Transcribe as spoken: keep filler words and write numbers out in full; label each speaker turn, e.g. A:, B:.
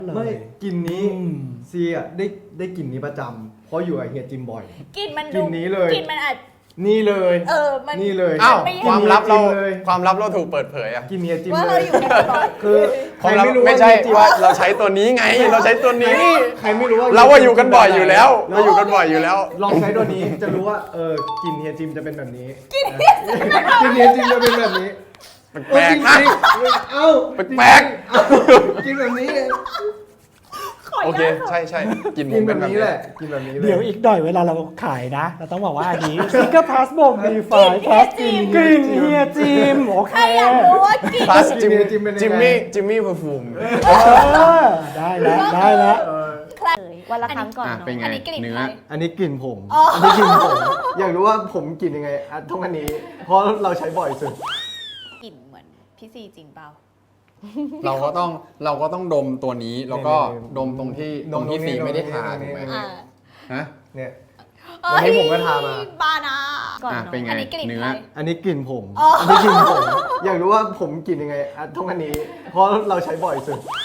A: ไม่กลิ่นนี้ซีอ่ะได้ได้กลิ่นนี้ประจำเพราะอยู่กับเฮียจิมบ่อย
B: กลิ่นมัน
A: กลิ่นนี้เลย
B: กลิ่นมันอาจ
A: นี่เลย
B: เออมัน
A: นี่เลย
C: อ้าว
B: ไม่
C: ความลับเรา
A: เลย
C: ความลับเราถูกเปิดเผยอะ
A: กลิ่นเฮียจิม
B: ว่า
A: เล
B: เรา
A: ย
B: อยู่กันบ่อย
A: คือใคร
C: ความลับ
A: ไม่รู้
C: ไม่ใช่
A: เฮียจิม
C: ว่าเราใช้ตัวนี้ไง เราใช้ตัวนี้
A: ใครไม่รู้ว่า
C: เราว่าอยู่กันบ่อยอยู่แล้ว เราอยู่กันบ่อยอยู่แล้ว
A: ลองใช้ตัวนี้จะรู้ว่าเออกลิ่นเฮียจิมจะเป็นแบบนี้กลิ่นเฮียจิมจะเป็นแบบนี้
C: แปลกๆนะ
A: เอ้า
C: แปลก
A: เอ้ากลิ่นแบบนี้
C: โอเค ใช่ใช่กินผ
A: กิน
C: ม
A: แบ
C: เป็น
A: บ
C: แบบ
A: นี้
C: นี้
A: แหละกินแบบนี้เลย
D: เดี๋ยวอีกหน่อยเวลาเราขายนะ เราต้องบอกว่าอันนี้ซิงเกิลพาสบอกมีไฟพาสกลิ่นกลิ่นเฮียจิมโอ
B: ๆ
D: เค
B: ใครอยากรู้ว่ากลิ่น
C: พลาสจิม
A: จิมเป็นยังไง
C: จิมมี่จิมมี่เพอร์ฟูม
D: เออได้แล้วได้แล้ว
B: ใคร
E: วันละครั้งก่อน
C: อ่ะ
E: เนาะ
C: เป็นไง
B: อันนี้กลิ่น
C: เนื้อ
B: ใคร
A: อันนี้กลิ่นผม
B: อ๋ออั
A: อันนี้กลิ่นผม อยากรู้ว่าผมกลิ่นยังไงอ่ะต้องอันนี้ เพราะเราใช้บ่อยสุด
B: กลิ่นเหมือนพี่ซีจริงเปล่า
C: เราก็ต้องเราก็ต้องดมตัวนี้แล้วก็
A: นี่ๆๆ
C: ดมตรงที่
A: ด
C: ตร
A: ม
C: งที่
A: ตรงนี้
C: สีไม่ได้
A: ตรงนี้
C: ทา
A: ตรงนี้
C: ถูกไหม
B: อ่า
C: ฮะ
A: เนี่ย วันนี้ผมก็ทามา
B: บานา
E: ก่อน
C: อ่ะ
E: เนาะ
C: เป็นไง
B: อันนี้กลิ่น
C: เนื้อ
B: ใคร
A: อันนี้กลิ่นผม
B: อ๋ออั
A: อันนี้กลิ่นผม อยากรู้ว่าผมกลิ่นยังไงอ่ะต้องอันนี้ เพราะเราใช้บ่อยสุด